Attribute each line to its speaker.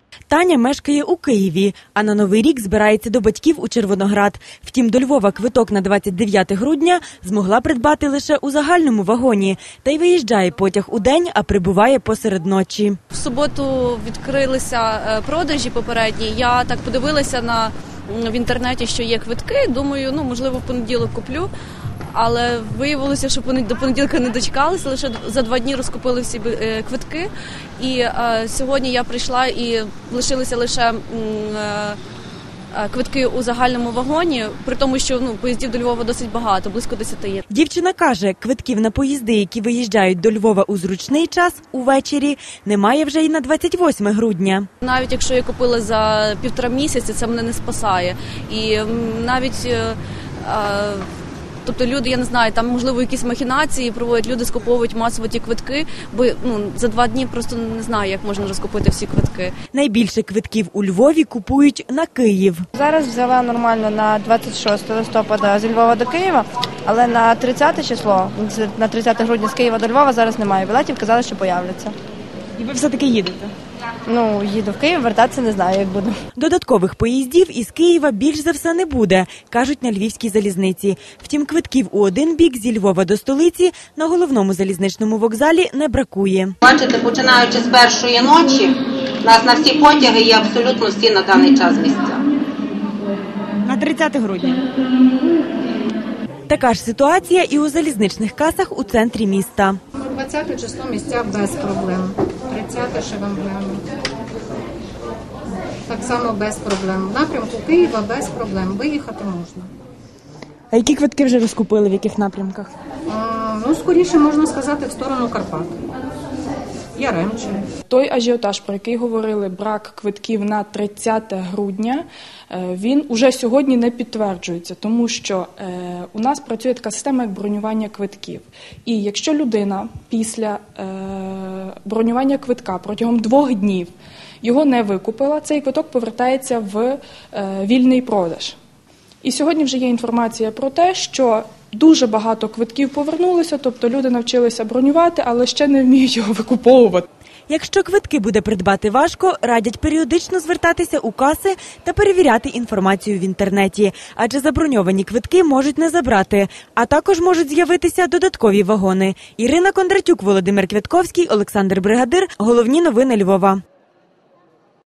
Speaker 1: Таня мешкає у Києві, а на Новий рік збирається до батьків у Червоноград. Втім, до Львова квиток на 29 грудня змогла придбати лише у загальному вагоні. Та й виїжджає потяг у день, а прибуває посеред ночі.
Speaker 2: В суботу відкрилися продажі попередні. Я так подивилася в інтернеті, що є квитки. Думаю, можливо, в понеділок куплю. Але виявилося, що до понеділка не дочекалися, лише за 2 дні розкупили всі квитки. І сьогодні я прийшла і лишилися лише квитки у загальному вагоні, при тому, що поїздів до Львова досить багато, близько 10 є. Дівчина
Speaker 1: каже, квитків на поїзди, які виїжджають до Львова у зручний час, увечері, немає вже й на 28 грудня.
Speaker 2: Навіть якщо я купила за 1,5 місяця, це мене не спасає. І навіть... Тобто люди, я не знаю, там, можливо, якісь махінації проводять, люди скуповують масово ті квитки, бо за 2 дні просто не знаю, як можна розкупити всі квитки.
Speaker 1: Найбільше квитків у Львові купують на Київ.
Speaker 3: Зараз взяла нормально на 26 листопада зі Львова до Києва, але на 30 число, на 30 грудня з Києва до Львова зараз немає білетів, казали, що появляться.
Speaker 1: І ви все-таки їдете?
Speaker 3: Їду в Київ, вертатися не знаю, як буду.
Speaker 1: Додаткових поїздів із Києва більш за все не буде, кажуть на Львівській залізниці. Втім, квитків у один бік зі Львова до столиці на головному залізничному вокзалі не бракує.
Speaker 4: Бачите, починаючи з першої ночі, у нас на всі потяги є абсолютно всі на даний час місця.
Speaker 1: На 30 грудня. Така ж ситуація і у залізничних касах у центрі міста.
Speaker 5: 20 число місця без проблем. 30 ще вам гляну. Так само без проблем. В напрямку Києва без проблем. Виїхати можна.
Speaker 1: А які квитки вже розкупили, в яких напрямках?
Speaker 5: Скоріше можна сказати в сторону Карпат. Яремче.
Speaker 6: Той ажіотаж, про який говорили, брак квитків на 30 грудня, він уже сьогодні не підтверджується, тому що у нас працює така система, як бронювання квитків. І якщо людина після бронювання квитка протягом 2 днів його не викупила, цей квиток повертається в вільний продаж. І сьогодні вже є інформація про те, що дуже багато квитків повернулися, тобто люди навчилися бронювати, але ще не вміють його викуповувати.
Speaker 1: Якщо квитки буде придбати важко, радять періодично звертатися у каси та перевіряти інформацію в інтернеті, адже заброньовані квитки можуть не забрати, а також можуть з'явитися додаткові вагони. Ірина Кондратюк, Володимир Квятковський, Олександр Бригадир. Головні новини Львова.